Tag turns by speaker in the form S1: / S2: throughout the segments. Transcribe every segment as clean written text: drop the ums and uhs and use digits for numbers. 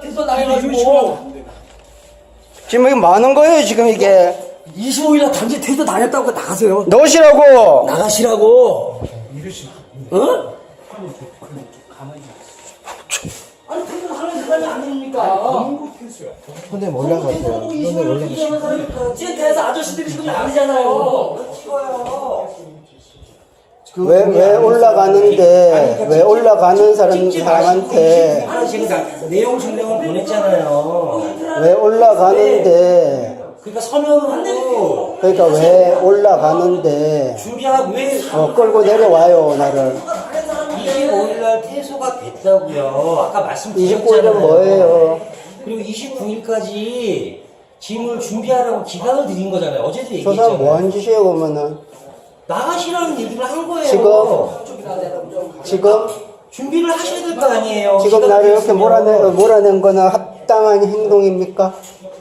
S1: 퇴소 당해가지고.
S2: 지금 이게 뭐 하는 거예요, 지금 이게?
S1: 25일날 단지 퇴소 당했다고 나가세요.
S2: 넣으시라고!
S1: 나가시라고. 어? 아니, 퇴소 당하는 사람이 아닙니까?
S2: 선생님 올라가세요. 선생님 올라가세요.
S1: 지금 아저씨들이 지금 아니잖아요.
S2: 왜 올라가는 사람한테
S3: 내용 증명을 보냈잖아요.
S2: 왜 올라가는데
S3: 그러니까 서면으로
S2: 그러니까 왜 올라가는데
S3: 준비하고 왜
S2: 끌고 내려와요 나를.
S3: 25일날 퇴소가 됐다고요. 아까
S2: 29일은
S3: 말씀드렸잖아요.
S2: 뭐예요?
S3: 그리고 29일까지 짐을 준비하라고 기간을 드린 거잖아요. 어제도
S2: 저
S3: 얘기했잖아요.
S2: 사람 뭐한 짓이에요 그러면은?
S3: 나가시라는 얘기를 한 거예요.
S2: 지금
S3: 준비를 하셔야 될 거 아니에요.
S2: 지금
S3: 기간을
S2: 나를 이렇게
S3: 드렸으면.
S2: 몰아낸 거는 합당한 행동입니까?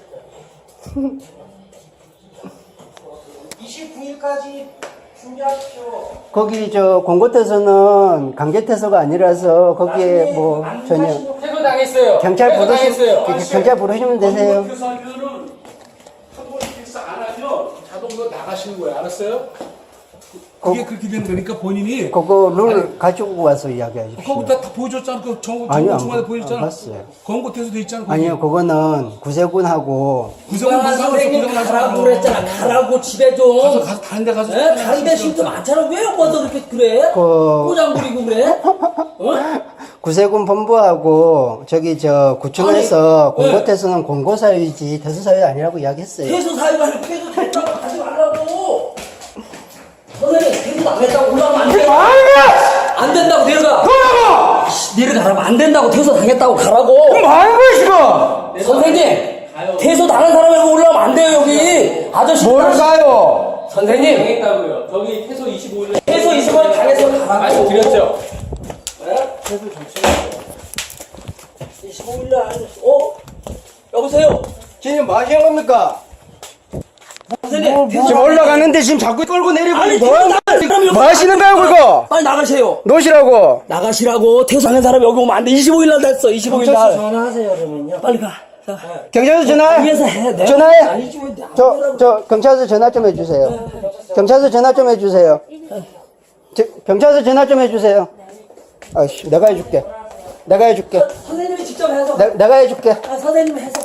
S3: 29일까지 준비하십시오.
S2: 거기 공고태서는 강제태서가 아니라서 거기에 뭐 전혀
S4: 퇴소 당했어요.
S2: 경찰
S4: 당했어요.
S2: 경찰 부르시면 되세요.
S5: 퇴소하면은 한번 픽스 안 하면 자동으로 나가시는 거예요. 알았어요? 그게 그렇게 된 거니까 본인이
S2: 그거 룰 가지고 와서 이야기하십시오.
S5: 그거 다 보여줬잖아. 그
S2: 아니요,
S5: 중간에
S2: 안
S5: 보여줬잖아.
S2: 봤어요.
S5: 권고 퇴소 돼 있잖아.
S2: 아니요, 그거는 구세군하고
S5: 구성은
S1: 선생님
S5: 구성을
S1: 가라고 그랬잖아. 가라고 집에 좀.
S5: 가서 다른 데 가서
S1: 에? 다른 데 쉼도 많잖아. 왜 와서 그렇게 그래? 꼬장 부리고 그래? 어?
S2: 구세군 본부하고 구청에서
S1: 아니,
S2: 공고태서는 공고사유이지 퇴소사유 아니라고 이야기했어요.
S1: 퇴소 사유가 아니라 퇴소 됐다고 하지 말라고. 선생님 퇴소 당했다고 올라가면 안 돼. 안 된다고 내려가. 내려가라고 안 된다고 퇴소 당했다고 가라고.
S2: 뭐 하는 거야 지금?
S1: 선생님 퇴소 당한 사람이 올라가면 안 돼요 여기. 아저씨.
S2: 뭘 가요?
S1: 선생님
S4: 당했다고요. 저기 퇴소 25일
S1: 퇴소 25일 당해서 가라고.
S4: 말씀드렸죠.
S1: 25일날 여보세요.
S2: 지금 뭐 하시는 겁니까?
S1: 선생님
S2: 지금 올라가는데 지금 자꾸 끌고 내리고
S1: 아니,
S2: 뭐 하는
S1: 퇴소 당한
S2: 뭐 하시는 거야 그거?
S1: 빨리 나가세요.
S2: 놓으시라고.
S1: 나가시라고. 퇴소하는 사람이 여기 오면 안 돼. 25일날 됐어. 25일날.
S3: 전화하세요, 그러면요.
S1: 빨리 가. 자.
S2: 경찰서 전화해.
S1: 위에서 해. 내가
S2: 전화해.
S1: 아니지 왜
S2: 저 경찰서 전화 좀 해주세요. 경찰서 전화 좀 해주세요. 경찰서 전화 좀 해주세요. 아이씨, 내가 해줄게.
S1: 선생님이 직접 해서.
S2: 내가 해줄게.
S1: 선생님이 해서.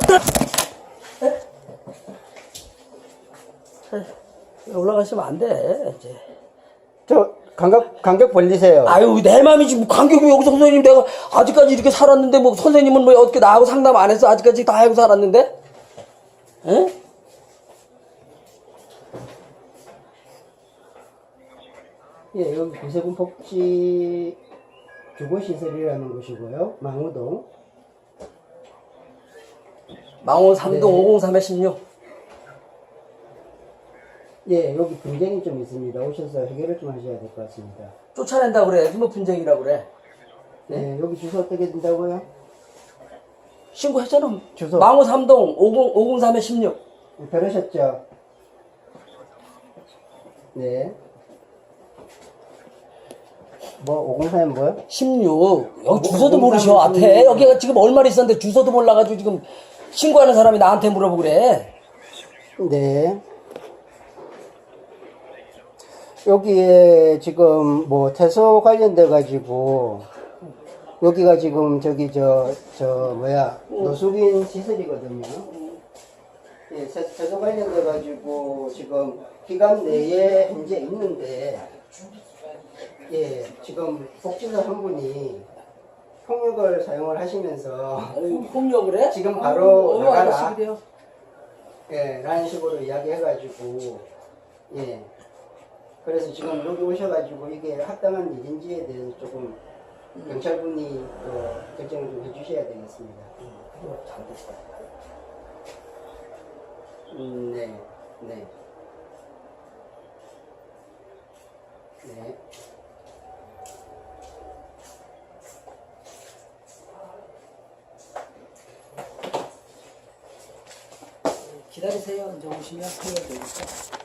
S1: 올라가시면 안 돼. 이제.
S2: 저 간격 벌리세요.
S1: 아유 내 맘이지 뭐 간격이 여기서 선생님 내가 아직까지 이렇게 살았는데 뭐 선생님은 뭐 어떻게 나하고 상담 안 했어? 아직까지 다 하고 살았는데? 에?
S2: 예, 여기 구세군 복지 주거시설이라는 곳이고요. 망우동.
S1: 망원 3동 503-16.
S2: 예, 여기 분쟁이 좀 있습니다. 오셔서 해결을 좀 하셔야 될 것 같습니다.
S1: 쫓아낸다 그래. 뭐 분쟁이라고 그래.
S2: 네, 여기 주소 어떻게 된다고요?
S1: 신고했잖아.
S2: 주소.
S1: 망원 3동 503-16.
S2: 들으셨죠? 네. 뭐 503은 뭐요?
S1: 16. 여기 주소도
S2: 503
S1: 모르셔. 앞에. 여기가 지금 얼마나 있었는데 주소도 몰라가지고 지금 신고하는 사람이 나한테 물어보고 그래.
S2: 네. 여기에 지금 뭐 퇴소 관련돼 가지고 여기가 지금 노숙인 시설이거든요. 예, 퇴소 관련돼 가지고 지금 기간 내에 현재 있는데 예, 지금 복지사 한 분이 폭력을 사용을 하시면서
S1: 폭력을 해?
S2: 지금 바로 나가라.
S1: 아저씨들이요.
S2: 예, 라는 식으로 이야기해가지고, 예. 그래서 지금 여기 오셔가지고 이게 합당한 일인지에 대해서 조금 경찰분이 결정을 좀 해주셔야 되겠습니다.
S1: 잘됐어.
S2: 네, 네. 네.
S1: 기다리세요. 이제 오시면 해야 되니까.